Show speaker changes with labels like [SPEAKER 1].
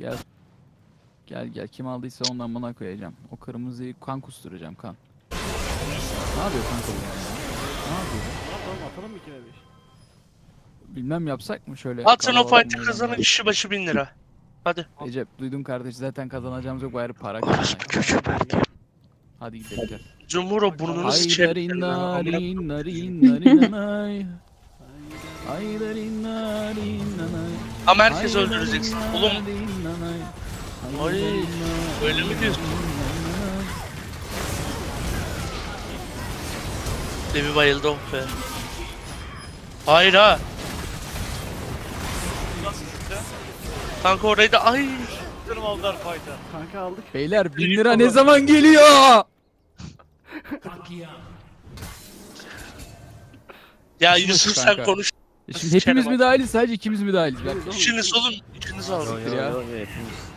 [SPEAKER 1] Gel. Gel gel. Kim aldıysa ondan bana koyacağım. O kırmızıyı kan kusturacağım kan. Ne yapıyor kanka bu ya? Ne yapıyor?
[SPEAKER 2] Atalım mı 2'ye 5?
[SPEAKER 1] Bilmem yapsak mı şöyle?
[SPEAKER 3] Atın o
[SPEAKER 1] kalabalık
[SPEAKER 3] fight'ı
[SPEAKER 1] mı
[SPEAKER 3] kazanan
[SPEAKER 1] oynanlar?
[SPEAKER 3] kişi başı 1000 lira. Hadi.
[SPEAKER 1] Recep duydum kardeş, zaten kazanacağımız yok, bari para
[SPEAKER 3] Orospu
[SPEAKER 1] kazanayım.
[SPEAKER 3] çocuğu belki.
[SPEAKER 1] Hadi gidelim gel.
[SPEAKER 3] Cumhur o burnunu
[SPEAKER 1] Ay
[SPEAKER 3] sıçarım.
[SPEAKER 1] darin narin narin narin nanay. Ay darin narin nanay.
[SPEAKER 3] Ama herkes
[SPEAKER 1] Ay
[SPEAKER 3] öldüreceksin.
[SPEAKER 1] darin
[SPEAKER 3] Oğlum
[SPEAKER 1] narin nanay.
[SPEAKER 3] Ay,
[SPEAKER 1] darin narin
[SPEAKER 3] öyle mi diyorsun?
[SPEAKER 1] nanay.
[SPEAKER 3] Levi bayıldı oh be. Hayır ha. Kanka orayı da ay.
[SPEAKER 4] Canım aldılar fight'a.
[SPEAKER 2] Kanka aldık.
[SPEAKER 1] Beyler 1000 lira ne zaman geliyor?
[SPEAKER 3] Ya
[SPEAKER 1] İşin
[SPEAKER 3] Yusuf
[SPEAKER 1] başı
[SPEAKER 3] sen
[SPEAKER 1] kanka.
[SPEAKER 3] konuş.
[SPEAKER 1] Şimdi hepimiz mi dahiliz, sadece ikimiz mi dahiliz? Bak.
[SPEAKER 3] İçiniz olun. İçiniz alın.
[SPEAKER 1] Ya.